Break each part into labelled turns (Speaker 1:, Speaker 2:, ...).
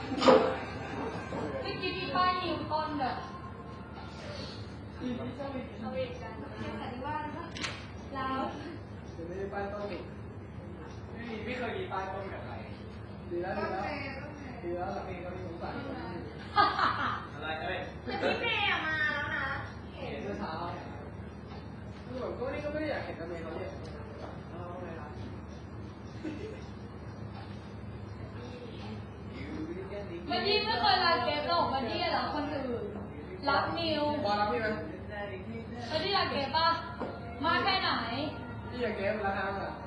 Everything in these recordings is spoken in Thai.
Speaker 1: ไม่คิดที่ป้ายนิวต้นแบบเอาเอกกันแค่แต่ที่ว่าแล้ว
Speaker 2: จะไม่ได้ป้ายต้นไม่เคยมีป้ายต้นกับใครดีแล้วดีแล้วดีแล้วหลังนี้ก็มีสงสัยอะไรเอ้ย
Speaker 1: แต่พี่เมย์มาแล้วนะ
Speaker 2: เห็นเมื่อเช้าคือแบบก็นี่ก็ไม่ได้อยากเห็นทำไมเขาเนี่ยเอาไงครับ
Speaker 1: บัดดี้ไม่เคยรักเกฟหรอกบัดดี้รักคนอื่นรักนิว
Speaker 2: บอลรับพี่ไหม
Speaker 1: บัดดี้รักเกฟป่ะมากแค่ไหน
Speaker 2: พี่อยากเกมราคาเท่าไหร่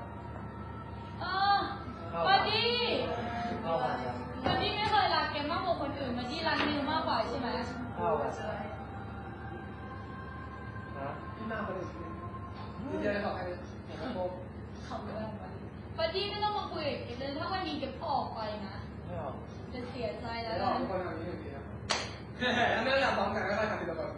Speaker 1: บัดดี้บัดดี้ไม่เคยรักเกฟมากกว่าคนอื่นบัดดี้รักนิวมากกว่าใช่ไหม
Speaker 2: เข้ากันพี่มากคนอื่นพี่จะได้ขอใครผม
Speaker 1: ขอบคุณบัดดี้ไม่ต้องมาคุยกับเกฟเลยถ้าวันนี้เกฟออกไปนะจะเสียใจแล้ว
Speaker 2: นะคนทำนี้อย่างนี้นะไม่อยากฟ้องกันก็ได้ทำดีกว่าแบบ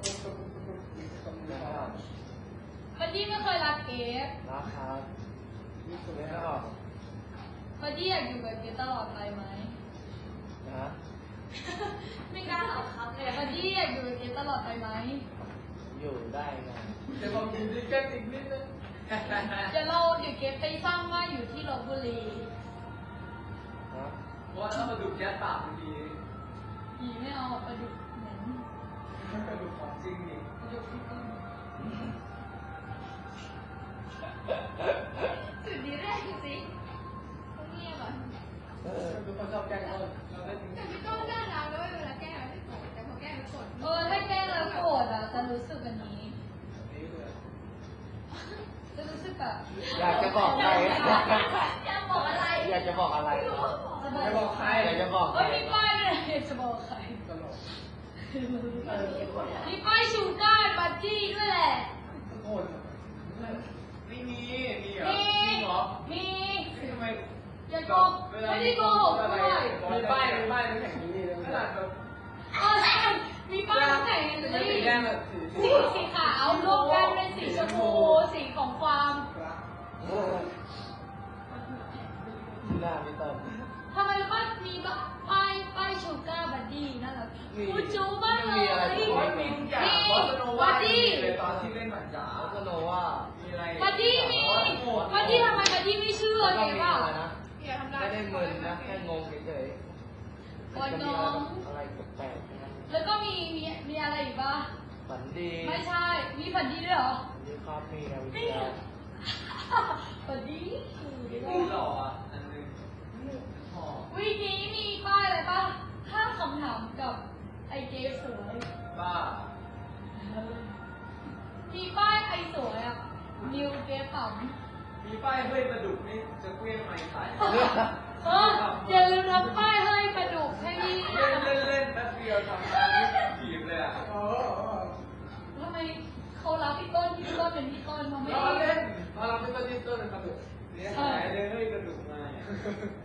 Speaker 1: บัดดี้ไม่เคยรักเกฟ
Speaker 2: รักครับนี่สุดเลยนะ
Speaker 1: บัดดี้อยากอยู่กับเกฟตลอดไปไหม
Speaker 2: นะ
Speaker 1: ไม่กล้าตอบครับเลยบัดดี้อยากอยู่กับเกฟตลอดไปไหม
Speaker 2: อยู่ได้ไงแต่ผมอยู่ด้วยกันอีกนิดนึง
Speaker 1: เดี๋ยวเกฟไปสร้างบ้านอยู่ที่ลพบุรี
Speaker 2: เพราะว่าถ้ามาดูแก๊สปากดี
Speaker 1: ผีไม่เอาปลาดุกเหม็น
Speaker 2: ปลาดุกของจริงดิ
Speaker 1: ปลาดุกที่ต้นสุดดีแรกสิต้องเงียบอ่ะ
Speaker 2: ทุกคนชอบแกล้งต้น
Speaker 1: แต่ไม่ต้องน่ารักด้วยเวลาแกล้งไม่โกรธแต่พอแกล้งไม่โกรธถ้าแกล้งแล้วโกรธอ่ะจะรู้สึกแบบนี้จะรู้สึกแบบ
Speaker 2: อยากจะบอกใคร
Speaker 1: อยากบอกอะไร
Speaker 2: อยากจะบอกอะไรอยากบอกใครอยากจะบอก
Speaker 1: เฮ้ยมีป้ายไม่ได้จะบอกใคร
Speaker 2: ตลก
Speaker 1: มีป้ายชูก้าบัดจี้ด้วยแหละ
Speaker 2: โง่ไม่มีเหรอ
Speaker 1: มี
Speaker 2: ทำไม
Speaker 1: อย่าโกหกไม่ได้โกหกด้วย
Speaker 2: มีป้ายน้ำแข็งนี่เลยขนาดแบบ
Speaker 1: มีป้ายน้ำแข็งนี่
Speaker 2: สีแดงแบบ
Speaker 1: สีขาวรวมกันเป็นสีชมพูสีของความ
Speaker 2: หน้าไม่เติม
Speaker 1: ทำไมป้ายมีป้ายชูก้าบัดดี้นั่นแหละกูจูบ้างเลย
Speaker 2: บัดดี้
Speaker 1: ตอน
Speaker 2: ที่เล่นหนังจ๋าก็โนว่ามีอะไร
Speaker 1: บัดดี้บัดดี้ทำไมบัดดี้ไม่เชื่อเลยว่า
Speaker 2: ไม่ได้มึนนะแค่งงเฉยๆ
Speaker 1: วันน้อง
Speaker 2: อะไรแปลกๆ
Speaker 1: แล้วก็มีอะไรอีกป่ะ
Speaker 2: ฝันดี
Speaker 1: ไม่ใช่มีฝันดีด้วยเหรอ
Speaker 2: มีครับมีนะวิจารณ์
Speaker 1: ฝันดี
Speaker 2: มีหล่ออันนึง
Speaker 1: วีนี้มีป้ายอะไรป่ะห้าคำถามกับไอเกสวย
Speaker 2: บ้า
Speaker 1: มีป้ายไอสวยอ่ะนิวเกสต่
Speaker 2: ำมีป้ายเฮ้ยปลาดุกนี่จะเกลี้ยงไม่ขาย
Speaker 1: อย่าลืมทำป้ายเฮ้ยปลาดุกให้นี่
Speaker 2: เล่นแป๊บเดียวทำการถีบเลยอ่ะ
Speaker 1: ทำไมเขารับพี่ต้นเป็นพี่ต้นเขาไม่
Speaker 2: เล่นมารับพี่ต้นเป็นปลาดุกเนี่ยหายเลยเฮ้ยปลาดุกมา